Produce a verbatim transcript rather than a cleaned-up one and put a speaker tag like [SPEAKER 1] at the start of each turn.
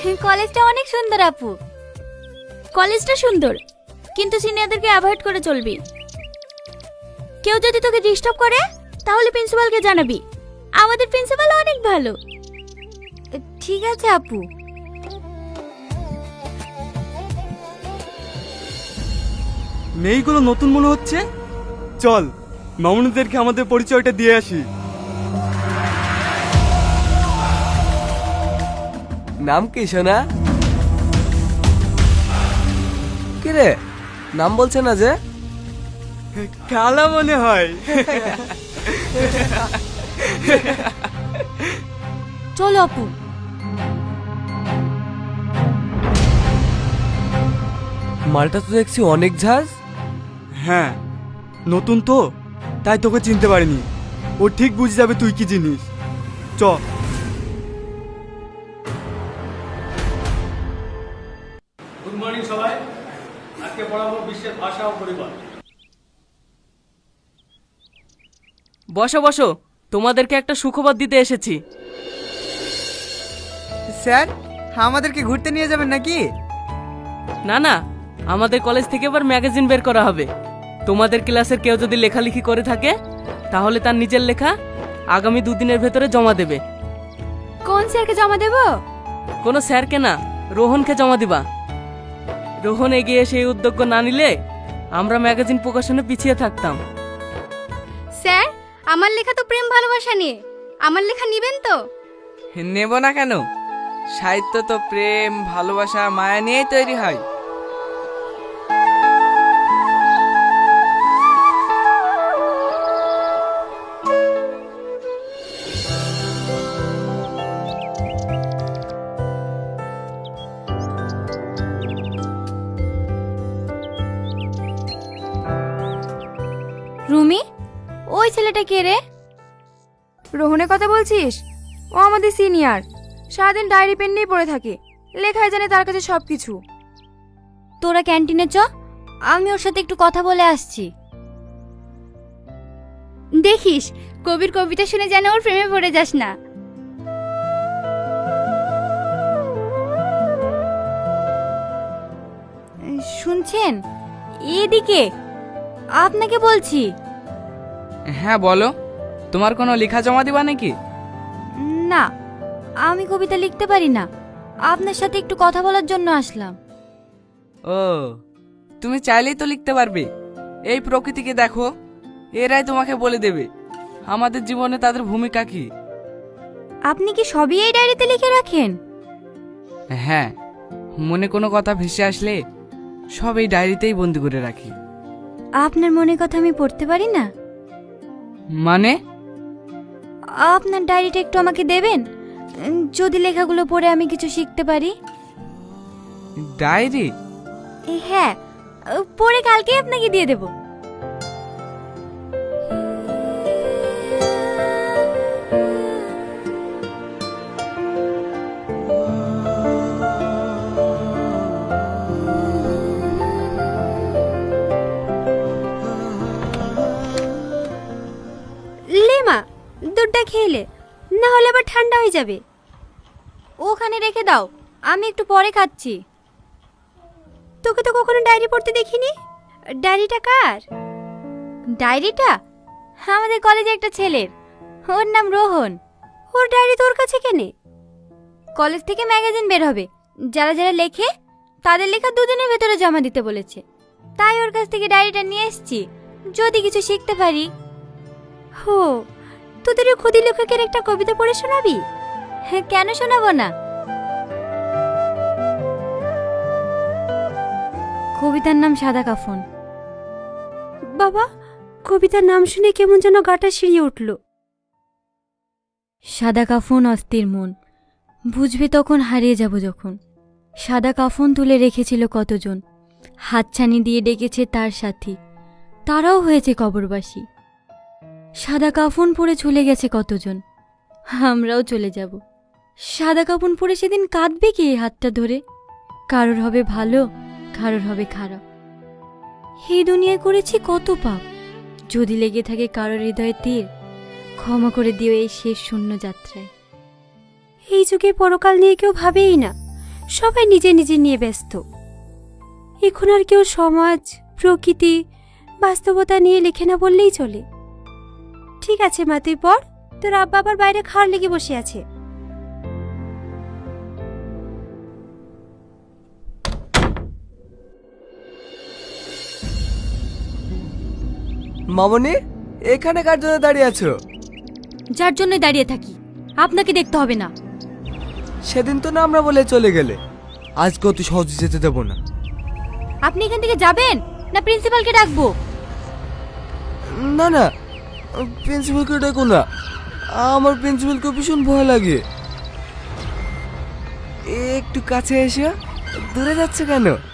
[SPEAKER 1] কলেজটা অনেক সুন্দর আপু। কলেজটা সুন্দর, কিন্তু সিনিয়রদেরকে অ্যাভয়েড করে চলবি। কেউ যদি তোকে ডিস্টার্ব করে তাহলে প্রিন্সিপালকে জানাবি। আমাদের প্রিন্সিপাল অনেক ভালো। ঠিক আছে আপু।
[SPEAKER 2] মেয়েগুলো নতুন মনে হচ্ছে। চল মামুনিদেরকে আমাদের পরিচয়টা দিয়ে আসি।
[SPEAKER 3] নাম কি সোনা? কিরে নাম বলছে না যে?
[SPEAKER 2] কালা মনে হয়।
[SPEAKER 1] চলো আপু।
[SPEAKER 3] মালটা তো দেখছি অনেক ঝাঁজ।
[SPEAKER 2] হ্যাঁ নতুন তো, তাই তোকে চিনতে পারিনি। ও ঠিক বুঝে যাবে তুই কি জিনিস। চ।
[SPEAKER 4] গুড মর্নিং সবাই। আজকে পড়াবো বিশ্বের ভাষা ও পরিবার।
[SPEAKER 5] বসো বসো, তোমাদেরকে একটা সুখবর দিতে এসেছি।
[SPEAKER 6] স্যার, আমাদেরকে ঘুরতে নিয়ে যাবেন নাকি?
[SPEAKER 5] না না, আমাদের কলেজ থেকে এবার ম্যাগাজিন বের করা হবে। তোমাদের ক্লাসের কেউ যদি লেখালেখি করে থাকে তাহলে তার নিজের লেখা আগামী দুদিনের ভেতরে জমা দেবে।
[SPEAKER 1] কোন স্যারকে জমা দেব?
[SPEAKER 5] কোনো স্যারকে না, রোহনকে জমা দিবা। রোহন এগিয়ে সেই উদ্যোগ না নিলে আমরা ম্যাগাজিন প্রকাশনে পিছিয়ে থাকতাম।
[SPEAKER 1] স্যার, আমার লেখা তো প্রেম ভালোবাসা নিয়ে। আমার লেখা নিবেন তো?
[SPEAKER 6] নেব না কেন? সাহিত্য তো প্রেম ভালোবাসা মায়া নিয়েই তৈরি হয়।
[SPEAKER 1] রুমি, ওই ছেলেটা কে রে?
[SPEAKER 7] রোহনের কথা বলছিস? ও আমাদের সিনিয়র। সারাদিন ডায়েরি পেন নিয়ে পড়ে থাকে, লেখায় জানে তার কাছে সবকিছু।
[SPEAKER 1] তোরা ক্যান্টিনে চ, আমি ওর সাথে একটু কথা বলে আসছি। দেখিস কবির কবিতা শুনে যেন ওর প্রেমে পড়ে যাস না। শুনছেন? এদিকে আপনাকে বলছি।
[SPEAKER 6] হ্যাঁ বলো, তোমার কোনো লেখা জমা দিবা নাকি?
[SPEAKER 1] না, আমি কবিতা লিখতে পারি না। আপনার সাথে একটু কথা বলার জন্য আসলাম।
[SPEAKER 6] ও, তুমি চাইলেই তো লিখতে পারবে। এই প্রকৃতিকে দেখো, এরাই তোমাকে বলে দেবে আমাদের জীবনে তাদের ভূমিকা কি।
[SPEAKER 1] আপনি কি সবই এই ডায়েরিতে লিখে রাখেন?
[SPEAKER 6] হ্যাঁ, মনে কোনো কথা ভেসে আসলে সব এই ডায়েরিতেই বন্দি করে রাখি।
[SPEAKER 1] আপনার মনের কথা আমি পড়তে পারি না?
[SPEAKER 6] মানে?
[SPEAKER 1] আপনার ডায়েরিটা একটু আমাকে দেবেন, যদি লেখাগুলো পড়ে আমি কিছু শিখতে পারি।
[SPEAKER 6] ডায়েরি?
[SPEAKER 1] হ্যাঁ, পড়ে কালকে আপনাকে দিয়ে দেব। লেমা, দুধটা খেলে, না হলে আবার ঠান্ডা হয়ে যাবে। ওখানে রেখে দাও, আমি একটু পরে খাচ্ছি। তোকে তো কখনো ডায়েরি পড়তে দেখিনি। ডায়েরিটা কার? ডায়েরিটা আমাদের কলেজে একটা ছেলের, ওর নাম রোহন। ওর ডায়েরি তোর কাছে কেনে? কলেজ থেকে ম্যাগাজিন বের হবে, যারা যারা লেখে তাদের লেখা দুদিনের ভেতরে জমা দিতে বলেছে। তাই ওর কাছ থেকে ডায়েরিটা নিয়ে এসেছি, যদি কিছু শিখতে পারি। হো, তোদের ওই ক্ষুদি লেখকের একটা কবিতা পড়ে শোনাবি? হ্যাঁ, কেন শোনাবো না। কবিতার নাম সাদা কাফন। বাবা, কবিতার নাম শুনে কেমন যেন গাটা শিরিয়ে উঠল। সাদা কাফন অস্থির মন, বুঝবে তখন হারিয়ে যাব যখন। সাদা কাফন তুলে রেখেছিল কতজন, হাতছানি দিয়ে ডেকেছে তার সাথী, তারাও হয়েছে কবরবাসী। সাদা কাফন পরে চলে গেছে কতজন, আমরাও চলে যাব। সাদা কাফন পরে সেদিন কাঁদবে কে হাতটা ধরে? কারোর হবে ভালো, কারোর হবে খারাপ। এই দুনিয়ায় করেছি কত পাপ, যদি লেগে থাকে কারোর হৃদয়ে তীর, ক্ষমা করে দিও এই শেষ শূন্য যাত্রায়। এই যুগে পরকাল নিয়ে কেউ ভাবেই না, সবাই নিজে নিজে নিয়ে ব্যস্ত। এখন আর কেউ সমাজ, প্রকৃতি, বাস্তবতা নিয়ে লেখে না বললেই চলে। ঠিক আছে মা, তুই পড়, তোর আব্বা আবার বাইরে খাওয়ার লেগে বসে আছে।
[SPEAKER 3] মামনি, এখানে কার জন্য দাঁড়িয়ে আছো?
[SPEAKER 1] যার জন্য দাঁড়িয়ে থাকি, আপনাকে দেখতে হবে না।
[SPEAKER 3] সেদিন তো না আমরা বলে চলে গেলে, আজকে অত সহজে যেতে দেবো না।
[SPEAKER 1] আপনি এখান থেকে যাবেন না প্রিন্সিপালকে ডাকবো?
[SPEAKER 3] না না, প্রিন্সিপালকে ডাকো না, আমার প্রিন্সিপালকে ভীষণ ভয় লাগে। একটু কাছে এসে দূরে যাচ্ছে কেন?